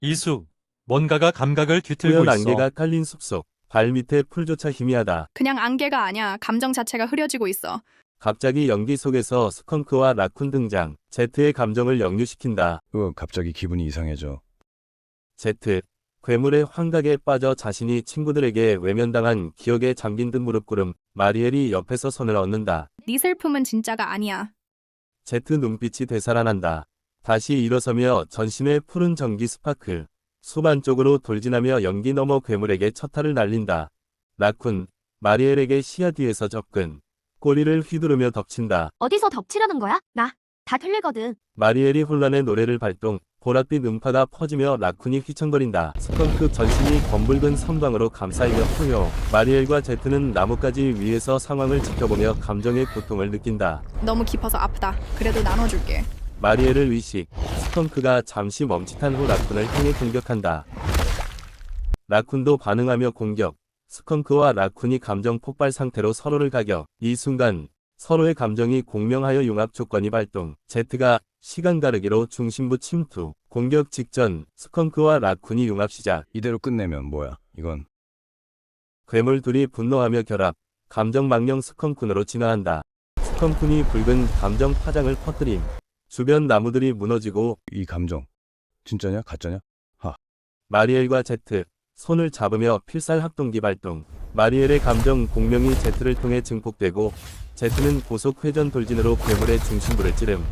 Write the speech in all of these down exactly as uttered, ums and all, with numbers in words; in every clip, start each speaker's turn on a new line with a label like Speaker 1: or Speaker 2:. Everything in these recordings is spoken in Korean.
Speaker 1: 이수, 뭔가가 감각을 뒤틀고
Speaker 2: 뿌연
Speaker 1: 있어.
Speaker 2: 안개가 깔린 숲속. 발밑에 풀조차 희미하다.
Speaker 3: 그냥 안개가 아니야. 감정 자체가 흐려지고 있어.
Speaker 2: 갑자기 연기 속에서 스컹크와 라쿤 등장. 제트의 감정을 역류시킨다.
Speaker 4: 으, 갑자기 기분이 이상해져.
Speaker 2: 제트. 괴물의 환각에 빠져 자신이 친구들에게 외면당한 기억에 잠긴 듯 무릎 꿇음. 마리엘이 옆에서 손을 얹는다.
Speaker 3: 네 슬픔은 진짜가 아니야.
Speaker 2: 제트 눈빛이 되살아난다. 다시 일어서며 전신에 푸른 전기 스파클. 숲 안쪽으로 돌진하며 연기 너머 괴물에게 첫타를 날린다. 라쿤. 마리엘에게 시야 뒤에서 접근. 꼬리를 휘두르며 덮친다.
Speaker 5: 어디서 덮치려는 거야? 나 다 들리거든.
Speaker 2: 마리엘이 혼란의 노래를 발동. 보랏빛 음파가 퍼지며 라쿤이 휘청거린다. 스컹크 전신이 검붉은 섬광으로 감싸이며 포효. 마리엘과 제트는 나뭇가지 위에서 상황을 지켜보며 감정의 고통을 느낀다.
Speaker 3: 너무 깊어서 아프다. 그래도 나눠줄게.
Speaker 2: 마리엘을 의식. 스컹크가 잠시 멈칫한 후 라쿤을 향해 공격한다. 라쿤도 반응하며 공격. 스컹크와 라쿤이 감정 폭발 상태로 서로를 가격. 이 순간 서로의 감정이 공명하여 융합 조건이 발동. 제트가 시간 가르기로 중심부 침투. 공격 직전 스컹크와 라쿤이 융합 시작.
Speaker 4: 이대로 끝내면 뭐야? 이건
Speaker 2: 괴물 둘이 분노하며 결합. 감정 망령 스컹크으로 진화한다. 스컹크니 붉은 감정 파장을 퍼뜨림. 주변 나무들이 무너지고
Speaker 4: 이 감정 진짜냐? 가짜냐?
Speaker 2: 마리엘과 제트. 손을 잡으며 필살 합동기 발동. 마리엘의 감정 공명이 제트를 통해 증폭되고 제트는 고속 회전 돌진으로 괴물의 중심부를 찌름.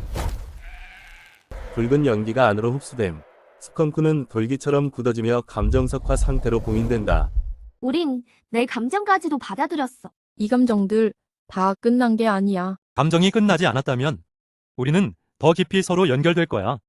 Speaker 2: 붉은 연기가 안으로 흡수됨. 스컹크는 돌기처럼 굳어지며 감정석화 상태로 봉인된다.
Speaker 5: 우린 내 감정까지도 받아들였어.
Speaker 6: 이 감정들 다 끝난 게 아니야.
Speaker 1: 감정이 끝나지 않았다면 우리는 더 깊이 서로 연결될 거야.